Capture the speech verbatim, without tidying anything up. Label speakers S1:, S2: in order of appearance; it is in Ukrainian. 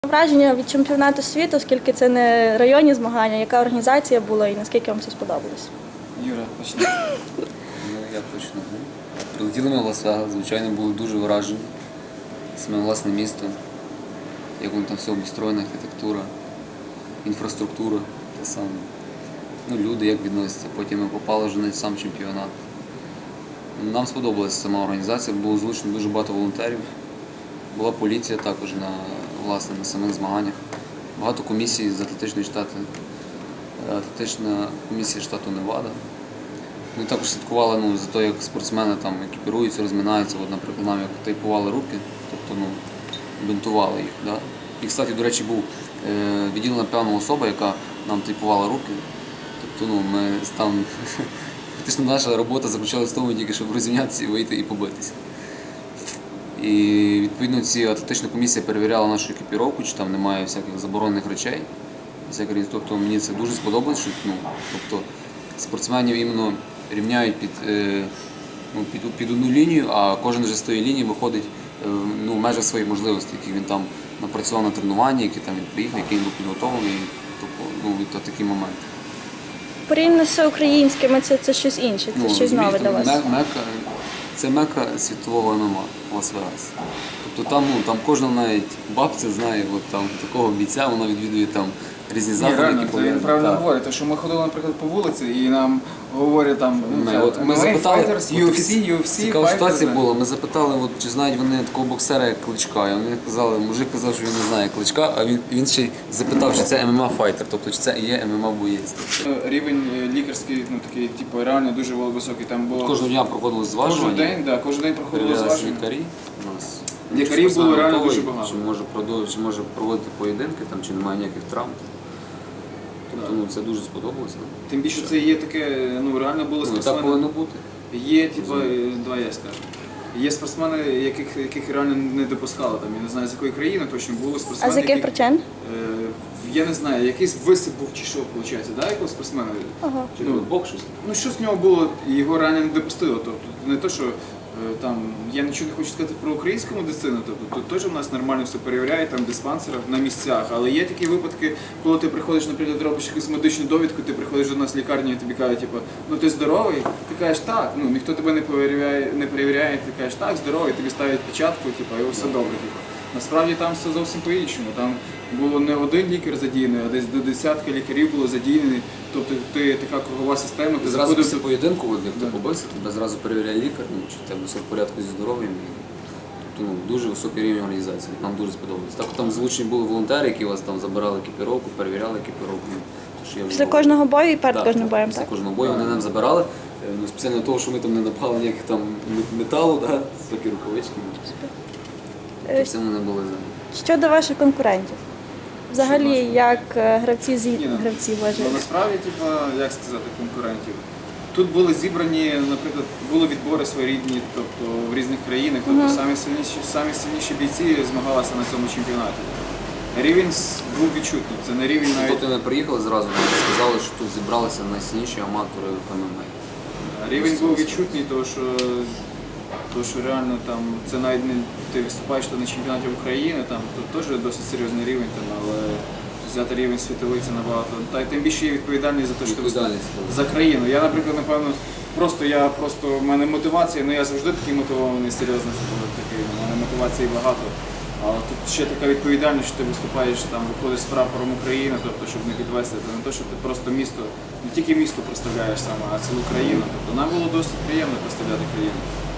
S1: Враження від чемпіонату світу, оскільки це не районні змагання, яка організація була і наскільки вам це сподобалось?
S2: Юра, почни.
S3: Ну, я почну. Прилетіли ми в Лас-Вегас, звичайно, були дуже вражені. Саме власне місто, як воно там все обустроєно, архітектура, інфраструктура, те саме. Ну, люди як відносяться. Потім ми попали вже на сам чемпіонат. Нам сподобалася сама організація, було залучено дуже багато волонтерів. Була поліція також на, власне, на самих змаганнях. Багато комісій з атлетичної штати, атлетична комісія штату Невада. Ми також слідкували ну, за те, як спортсмени там екіпіруються, розминаються. От, наприклад, нам як тейпували руки, тобто ну, бинтували їх. Да? І, кстати, до речі, був е, відділена певна особа, яка нам тейпувала руки. Тобто ну, ми там, фактично наша робота заключалася в тому, тільки щоб розім'ятися і вийти і побитися. І відповідно ці атлетична комісія перевіряла нашу екіпіровку, чи там немає всяких заборонених речей. Всяких, тобто мені це дуже сподобалось, що ну, тобто, спортсменів іменно рівняють під, е, ну, під, під одну лінію, а кожен вже з тої лінії виходить е, ну, в межах своїх можливостей, які він там напрацював на тренуванні, які там він приїхав, який він був підготовлений. Тобто, ну, то такі моменти.
S1: Порівняно з всеукраїнськими це, це щось інше, це
S3: Ну,
S1: щось нове для вас.
S3: Мека, це мека світового ем ем а Лас-Вегас. Тобто там, ну, там кожна навіть бабця знає от, там, такого бійця, вона відвідує там різні
S2: Ні,
S3: заходи,
S2: реально,
S3: які
S2: це він
S3: пов'язані.
S2: правильно
S3: Так.
S2: говорить, тому що ми ходили, наприклад, по вулиці і нам говорять там,
S3: Ми,
S2: ну,
S3: от, ми
S2: ем ем а
S3: запитали,
S2: Fighters,
S3: от
S2: ю еф
S3: такі
S2: сі, ю еф сі,
S3: цікава
S2: Fighters,
S3: ситуація
S2: да.
S3: була, ми запитали, от, чи знають вони такого боксера, як Кличка. І вони казали, мужик казав, що він не знає Кличка, а він, він ще й запитав, чи це ем ем а-файтер, тобто чи це і є ем ем а-боєць.
S2: Рівень е, лікарський, ну такий, типу, реально дуже високий. Там було
S3: Кожного дня проходило
S2: кожен
S3: зважування,
S2: день, да, кожен день проходило
S3: перевірялися
S2: зваження.
S3: лікарі. У нас
S2: Лікарів було реально
S3: готовий,
S2: дуже багато.
S3: Чи може, продовжити, чи може проводити поєдинки, там, чи немає ніяких травм. Тобто ну, це дуже сподобалося.
S2: Тим більше це є таке, ну реально було
S3: Ну, і так
S2: спортсмени.
S3: повинно бути.
S2: Є, типу, два я скажу. Є спортсмени, яких, яких реально не допускали. Там, я не знаю, з якої країни точно були спортсмени.
S1: А з яких
S2: які-
S1: причин?
S2: Е, я не знаю, якийсь висип був чи що, виходить, да, якогось спортсмена?
S1: Ага.
S3: Чи
S2: Ну,
S3: бок щось?
S2: Ну, що з нього було, і його реально не допустило. Тобто, не то, що е, там, я нічого не хочу сказати про українську медицину, тобто тут теж у нас нормально все перевіряють, там в диспансерах, на місцях, але є такі випадки, коли ти приходиш, наприклад, робиш якусь медичну довідку, ти приходиш до нас в лікарню і тобі кажуть, типу, ну ти здоровий, ти кажеш так, ну ніхто тебе не перевіряє, не перевіряє, ти кажеш так, здоровий, тобі ставлять печатку, типу, і все добре. Типу. Насправді там все зовсім по-іншому. Там було не один лікар задіяний, а десь до десятки лікарів було задіяні. Тобто ти така кругова система, ти
S3: Ти зразу
S2: заходив
S3: після
S2: до-
S3: поєдинку, от, як ти
S2: Да.
S3: побився, тебе зразу перевіряє лікар, ну, чи в тебе все в порядку зі здоров'ям. І, Тобто ну, дуже високий рівень організації, нам дуже сподобалось. Так там залучені були волонтери, які вас там забирали екіпіровку, перевіряли екіпіровку. Ну, то, що я вже
S1: Після
S3: говорив.
S1: кожного бою і перед
S3: Так,
S1: кожним
S3: так,
S1: боєм,
S3: після
S1: так?
S3: кожного бою вони нам забирали. Е, Ну, спеціально того, що ми там не напали ніяких там металу, да, високі рукавички.
S1: Е,
S3: Все вони були за.
S1: Щодо ваших конкурентів. Взагалі,
S2: Що наших?
S1: як е, гравці з
S2: Ні, ну,
S1: гравці
S2: Ну,
S1: вважають?
S2: насправді, типу, як сказати, конкурентів. Тут були зібрані, наприклад, були відбори своєрідні, тобто в різних країнах, тобто самі сильніші, самі сильніші бійці змагалися на цьому чемпіонаті. Рівень с- був відчутний, це не рівень навіть.
S3: Тобто ми приїхали зразу, нам сказали, що тут зібралися найсильніші аматори в ем ем а.
S2: Рівень був відчутний, тому що, тому що реально там, це навіть не ти виступаєш там на чемпіонаті України, там тут теж досить серйозний рівень, там, але взяти рівень світовий це набагато. Та й тим більше є відповідальність за те, що ти виступаєш
S3: Відповідальність.
S2: за країну. Я, наприклад, напевно, просто я просто в мене мотивація, ну я завжди такий мотивований, серйозно такий, у мене мотивації багато. Але тут ще така відповідальність, що ти виступаєш, там виходиш з прапором України, тобто, щоб не підвести, це не те, що ти просто місто, не тільки місто представляєш саме, а цілу країну. Тобто нам було досить приємно представляти країну.